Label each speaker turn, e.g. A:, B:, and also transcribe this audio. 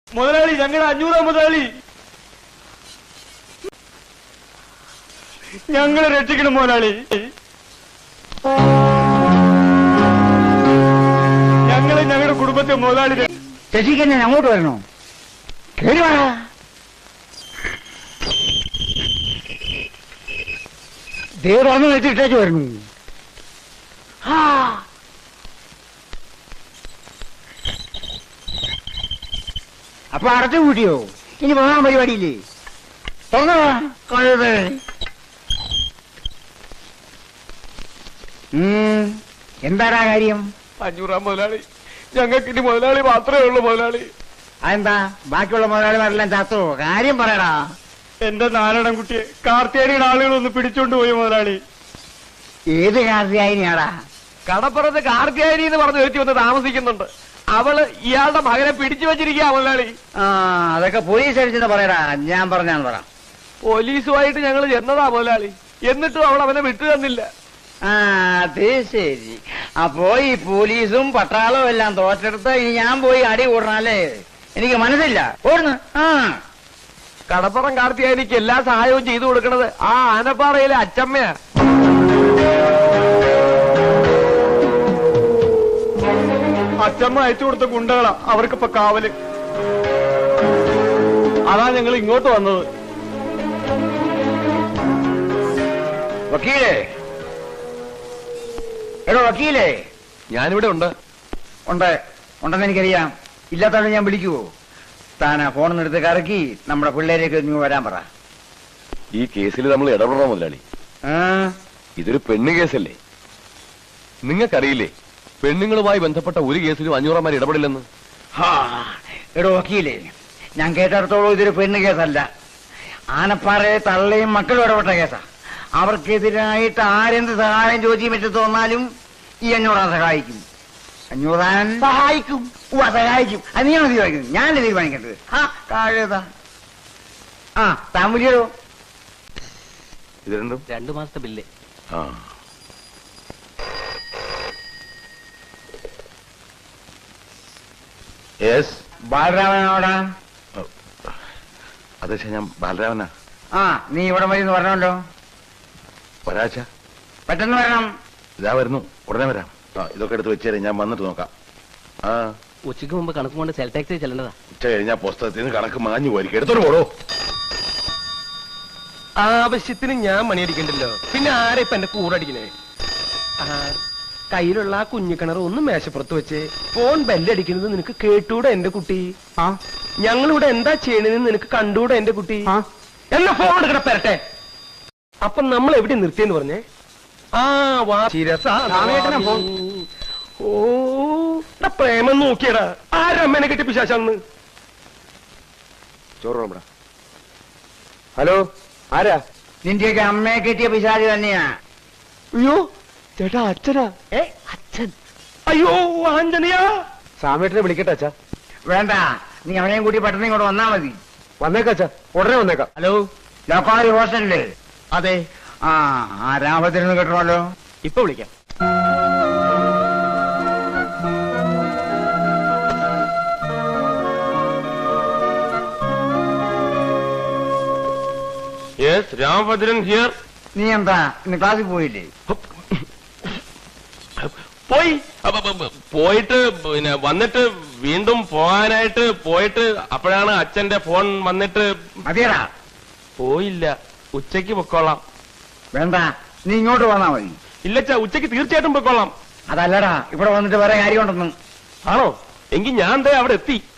A: മുതലാളി, ഞങ്ങളുടെ 500 മുതലാളി, ഞങ്ങളെ രക്ഷിക്കണം മുതലാളി. ഞങ്ങളുടെ കുടുംബത്തെ മുതലാളി
B: രക്ഷിക്കാൻ ഞാൻ അങ്ങോട്ട് വരണോ? കേറി വാ. ദേവറാന്ന് വെച്ചിട്ടേക്ക് വരുന്നു. അപ്പൊ അടച്ചു കൂട്ടിയോ? ഇനി പോകാൻ പരിപാടിയില്ലേ? കഴുതേ. എന്താടാ കാര്യം?
A: 500 മുതലാളി, ഞങ്ങൾക്ക് ഇനി മുതലാളി മാത്രമേ ഉള്ളൂ മുതലാളി.
B: അതെന്താ ബാക്കിയുള്ള മുതലാളിമാരെല്ലാം ചത്തോ? കാര്യം പറയടാ.
A: എന്റെ നാരായണൻകുട്ടിയെ കാർത്തിയാനിയുടെ ആളുകളൊന്ന് പിടിച്ചോണ്ട് പോയി മുതലാളി.
B: ഏത് കാർത്തിയാനിയാടാ?
A: കടപ്പുറത്ത് കാർത്തിയാനി എന്ന് പറഞ്ഞ് ഒരുത്തി വന്ന് താമസിക്കുന്നുണ്ട്. അവള് ഇയാളുടെ മകനെ പിടിച്ചു വെച്ചിരിക്കുക മുതലാളി.
B: അതൊക്കെ പോലീസ് അടിച്ചെന്ന് പറയടാ. ഞാൻ പറഞ്ഞാന്ന് പറ.
A: പോലീസുമായിട്ട് ഞങ്ങൾ ചെന്നതാ മുതലാളി, എന്നിട്ടും അവൾ അവനെ വിട്ടു തന്നില്ല.
B: അത് ശരി. അപ്പോ ഈ പോലീസും പട്ടാളവും എല്ലാം തോറ്റെടുത്ത് ഇനി ഞാൻ പോയി അടി കൂടണല്ലേ? എനിക്ക് മനസ്സില്ല. ഓടുന്നു.
A: കടപ്പുറം കാർത്തിയാനിക്ക് എല്ലാ സഹായവും ചെയ്തു കൊടുക്കണത് ആ ആനപ്പാറയിലെ അച്ചമ്മയാ. അച്ചമ്മ അയച്ചു കൊടുത്ത ഗുണ്ടകളാ അവർക്കിപ്പോ കാവല്. അതാ ഞങ്ങൾ ഇങ്ങോട്ട് വന്നത്.
B: വക്കീലേ, എടോ വക്കീലേ.
A: ഞാനിവിടെ ഉണ്ട്.
B: ഉണ്ടെന്ന് എനിക്കറിയാം. ഇല്ലാത്തവരെ ഞാൻ വിളിക്കുവോ? താനാ ഫോണിൽ എടുത്ത് കറക്കി നമ്മുടെ പിള്ളേരേക്ക് നീ വരാൻ പറ.
C: ഈ കേസിൽ നമ്മൾ ഇടപെടണം മുതലാളി. ഇതൊരു പെണ്ണ് കേസല്ലേ? നിങ്ങൾക്കറിയില്ലേ പെണ്ണുങ്ങളുമായി ബന്ധപ്പെട്ട ഒരു കേസിലും 500 ഇടപെടില്ലെന്ന്?
B: എടോ വക്കീലേ, ഞാൻ കേട്ടിടത്തോളം ഇതൊരു പെണ്ണ് കേസല്ല. ആനപ്പാറയെ തള്ളയും മക്കളും ഇടപെട്ട കേസാ. അവർക്കെതിരായിട്ട് ആരെന്ത് സഹായം ചോദിച്ചു പറ്റി തോന്നാലും ഈ 500 സഹായിക്കും. 500 സഹായിക്കും. സഹായിക്കും. അത് നീയാണ് തീരുമാനിക്കുന്നത്, ഞാനല്ലേ തീരുമാനിക്കേണ്ടത്. താഴേതാ. താൻ വിളിയോ?
C: ഇത്
A: 2 മാസത്തെ ബില്ല്.
B: ബാലരാമനോടാ?
C: അതെ, ഞാൻ ബാലരാമനാ.
B: നീ ഇവിടെ വഴി പറഞ്ഞല്ലോ.
C: ഒരാഴ്ച
B: പെട്ടെന്ന് വരണം.
C: ഇതാ വരുന്നു, ഉടനെ വരാം. ഇതൊക്കെ എടുത്ത് വെച്ചേരെ, ഞാൻ വന്നിട്ട് നോക്കാം.
A: ഉച്ചയ്ക്ക് മുമ്പ് കണക്ക് കൊണ്ട് സെൽ ടാക്സി ചെല്ലേണ്ടതാ.
C: ഉച്ച കഴിഞ്ഞാൽ പുസ്തകത്തിൽ നിന്ന് കണക്ക് മാഞ്ഞു പോയിരിക്കും. എടുത്തോട്ട് പോടോ.
A: ആവശ്യത്തിന് ഞാൻ മണിയടിക്കണ്ടല്ലോ, പിന്നെ ആരെ ഇപ്പൊ എന്റെ കൂറടിക്കണേ? കയ്യിലുള്ള ആ കുഞ്ഞിക്കിണർ ഒന്ന് മേശപ്പുറത്ത് വെച്ച് ഫോൺ ബെല്ലടിക്കുന്നത് നിനക്ക് കേട്ടൂടെ എന്റെ കുട്ടി? ഞങ്ങളിവിടെ എന്താ ചെയ്യണെന്ന് നിനക്ക് കണ്ടൂടെ എന്റെ കുട്ടി? എന്നാ ഫോൺ എടുക്കണ പെരട്ടെ. അപ്പൊ നമ്മൾ എവിടെ നിർത്തിയെന്ന് പറഞ്ഞേ? ഓ പ്രേമം നോക്കിയടാ. ആരമ്മനെ കെട്ടി പിശാചാന്ന്.
C: ചോറ്. ഹലോ, ആരാ?
B: നിന്റെയൊക്കെ അമ്മയെ കെട്ടിയ പിശാചി തന്നെയാ.
A: അയ്യോ ചേട്ടാ, അച്ഛനാ? അച്ഛൻ? അയ്യോ ആഞ്ജനയാ. സാമേട്ടനെ വിളിക്കട്ടെ അച്ഛാ?
B: വേണ്ട, നീ അവനെയും കൂട്ടി പെട്ടെന്ന് ഇങ്ങോട്ട് വന്നാ മതി.
A: വന്നേക്കാം അച്ഛാ, ഉടനെ വന്നേക്കാം. ഹലോ,
B: ലോക്കാരി ഹോസ്റ്റലില്?
A: അതെ.
B: രാമത്തിനൊന്ന് കിട്ടണമല്ലോ.
A: ഇപ്പൊ വിളിക്കാം. രാമഭദ്രൻ ഹിയർ.
B: നീ എന്താ ഇന്ന് ക്ലാസ്സിൽ പോയില്ലേ?
D: പോയിട്ട് പിന്നെ വന്നിട്ട് വീണ്ടും പോകാനായിട്ട് പോയിട്ട് അപ്പോഴാണ് അച്ഛന്റെ ഫോൺ വന്നിട്ട്.
B: മതിയടാ.
D: പോയില്ല, ഉച്ചയ്ക്ക് പൊക്കോളാം.
B: വേണ്ട, നീ ഇങ്ങോട്ട് വന്നാ മതി.
D: ഇല്ലച്ചാ, ഉച്ചയ്ക്ക് തീർച്ചയായിട്ടും പൊക്കോളാം.
B: അതല്ലടാ, ഇവിടെ വന്നിട്ട് വേറെ കാര്യമുണ്ടെന്ന്.
D: ആണോ? എങ്കിൽ ഞാൻ അവിടെ എത്തി.